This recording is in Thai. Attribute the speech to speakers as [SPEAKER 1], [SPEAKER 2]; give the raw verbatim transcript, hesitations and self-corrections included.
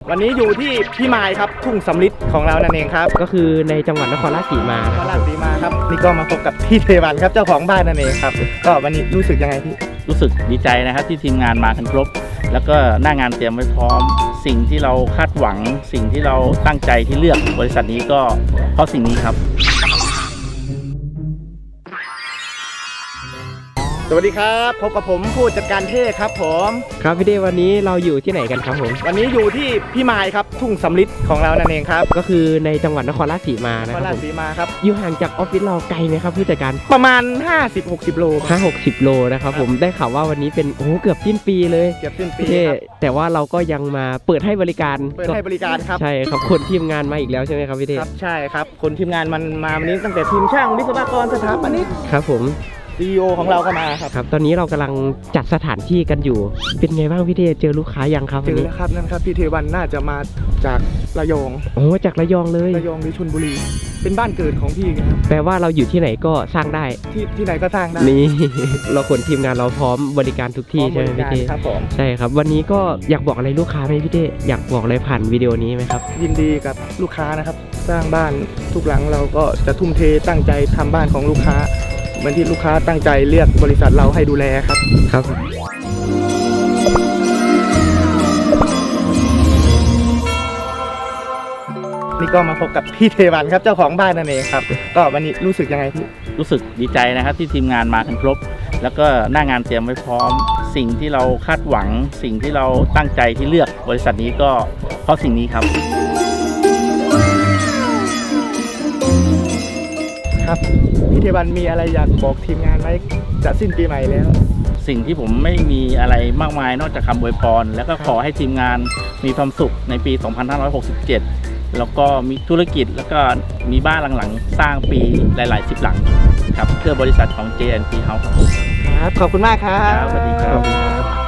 [SPEAKER 1] วันนี้อยู่ที่พี่มายครับทุ่งสำลิดของเรานั่นเองครับ
[SPEAKER 2] ก็คือในจังหวัดนครราชสีมาน
[SPEAKER 1] ครราชสีมาครับนี่ก็มาพบกับพี่เทวันครับเจ้าของบ้านนั่นเองครับก็วันนี้รู้สึกยังไงพี่
[SPEAKER 3] รู้สึกดีใจนะครับที่ทีมงานมากันครบแล้วก็หน้างานเตรียมไว้พร้อมสิ่งที่เราคาดหวังสิ่งที่เราตั้งใจที่เลือกบริษัทนี้ก็เพราะสิ่งนี้ครับ
[SPEAKER 1] สวัสดีครับพบกับผมผู้จัดการเท่ครับผม
[SPEAKER 2] ครับพี่เดวันนี้เราอยู่ที่ไหนกันครับผม
[SPEAKER 1] วันนี้อยู่ที่พี่มายครับทุ่งสำลิดของเรานั่นเองครับ
[SPEAKER 2] ก็คือในจังหวัดนครราชสีมานะ
[SPEAKER 1] ค
[SPEAKER 2] ค
[SPEAKER 1] รั
[SPEAKER 2] รั
[SPEAKER 1] บบ ผมสีมาครับ
[SPEAKER 2] อยู่ห่างจากออฟฟิศเราไกลไหมครับผู้จัดการ
[SPEAKER 1] ประมาณ ห้าสิบหกสิบ โล
[SPEAKER 2] ห้าหกสิบโลนะครับผมได้ข่าวว่าวันนี้เป็นโอ้เกือบสิ้นปีเลย
[SPEAKER 1] เกือบสิ้นปี
[SPEAKER 2] แต่ว่าเราก็ยังมาเปิดให้บริการ
[SPEAKER 1] เปิดให้บริการครับ
[SPEAKER 2] ใช่ครับคนทีมงานมาอีกแล้วใช่ไหมครับพี่เด
[SPEAKER 1] ครับใช่ครับคนทีมงานมันมาวันนี้ตั้งแต่ทีมช่างวิศวกรสถาปนิก
[SPEAKER 2] ครับผม
[SPEAKER 1] ซี อี โอ ของเราก็มาครับ
[SPEAKER 2] ครับตอนนี้เรากำลังจัดสถานที่กันอยู่เป็นไงบ้างพี่เทเจอลูกค้ายังครับ
[SPEAKER 1] เจอแล้วครับนั่นครับพี่เทวันน่าจะมาจากระยอง
[SPEAKER 2] โอ้จากระยองเลย
[SPEAKER 1] ระยองหรือชลบุรีเป็นบ้านเกิดของพี่ครับ
[SPEAKER 2] แปลว่าเราอยู่ที่ไหนก็สร้างได้
[SPEAKER 1] ที่ที่ไหนก็สร้างได้
[SPEAKER 2] นี่ เราคนทีมงานเราพร้อมบริการทุกที่ใช่ไหมพี่เท
[SPEAKER 1] ครับผม
[SPEAKER 2] ใช่ครับวันนี้ก็อยากบอกอะไรลูกค้าไหมพี่เทอยากบอกอะไรผ่านวิดีโอนี้ไหมครับ
[SPEAKER 1] ยินดีกับลูกค้านะครับสร้างบ้านทุกหลังเราก็จะทุ่มเทตั้งใจทำบ้านของลูกค้าเหมือนที่ลูกค้าตั้งใจเลือกบริษัทเราให้ดูแลครับ
[SPEAKER 2] ครับ
[SPEAKER 1] นี่ก็มาพบกับพี่เทวันครับเจ้าของบ้านนั่นเองครับก็วันนี้รู้สึกยังไงพี่
[SPEAKER 3] รู้สึกดีใจนะครับที่ทีมงานมากันครบแล้วก็หน้างานเตรียมไว้พร้อมสิ่งที่เราคาดหวังสิ่งที่เราตั้งใจที่เลือกบริษัทนี้ก็เพราะสิ่งนี้ครับ
[SPEAKER 1] ครับพี่เทวันมีอะไรอยากบอกทีมงานไหมจะสิ้นปีใหม่แล้ว
[SPEAKER 3] สิ่งที่ผมไม่มีอะไรมากมายนอกจากคำอวยพรแล้วก็ขอให้ทีมงานมีความสุขในปี สองพันห้าร้อยหกสิบเจ็ด แล้วก็มีธุรกิจแล้วก็มีบ้านหลังๆสร้างปีหลายๆสิบหลังครับเพื่อบริษัทของ เจ แอนด์ พี House ครับ
[SPEAKER 1] ครับขอบคุณมากครับ
[SPEAKER 3] สวัสดีครับ